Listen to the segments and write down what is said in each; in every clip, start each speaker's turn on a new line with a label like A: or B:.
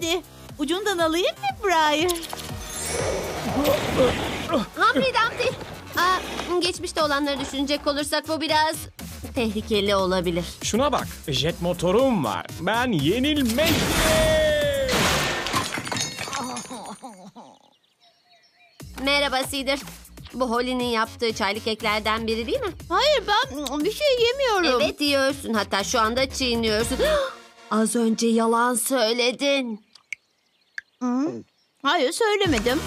A: Hadi ucundan alayım mı Briar?
B: Humphrey Dumpty. Geçmişte olanları düşünecek olursak bu biraz tehlikeli olabilir.
C: Şuna bak, jet motorum var. Ben yenilmeyim.
B: Merhaba Cedar. Bu Holly'nin yaptığı çaylı keklerden biri değil mi?
A: Hayır ben bir şey yemiyorum.
B: Evet diyorsun. Hatta şu anda çiğniyorsun. Az önce yalan söyledin.
A: Hayır söylemedim.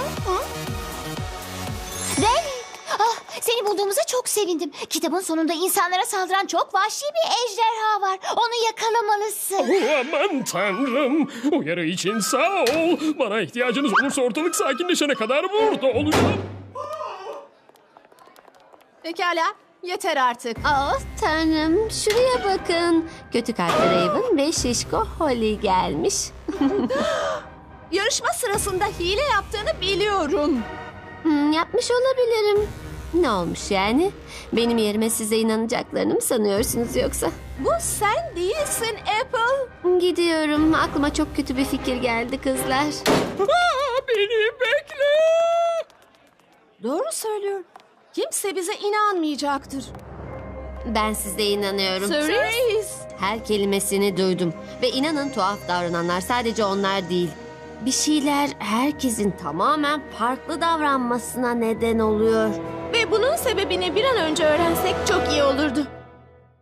D: Danny, seni bulduğumuza çok sevindim. Kitabın sonunda insanlara saldıran çok vahşi bir ejderha var. Onu yakalamalısın.
C: Aman tanrım. Uyarı için sağ ol. Bana ihtiyacınız olursa ortalık sakinleşene kadar burada olacağım.
E: Pekala, yeter artık.
B: Tanrım, şuraya bakın. Kötü kalpli Raven ve şişko Holly gelmiş.
E: Yarışma sırasında hile yaptığını biliyorum.
B: Yapmış olabilirim. Ne olmuş yani? Benim yerime size inanacaklarını mı sanıyorsunuz yoksa?
E: Bu sen değilsin Apple.
B: Gidiyorum. Aklıma çok kötü bir fikir geldi kızlar.
C: Beni bekle.
E: Doğru söylüyor. Kimse bize inanmayacaktır.
B: Ben size inanıyorum.
E: Cerise.
B: Her kelimesini duydum. Ve inanın tuhaf davrananlar sadece onlar değil. Bir şeyler herkesin tamamen farklı davranmasına neden oluyor.
E: Ve bunun sebebini bir an önce öğrensek çok iyi olurdu.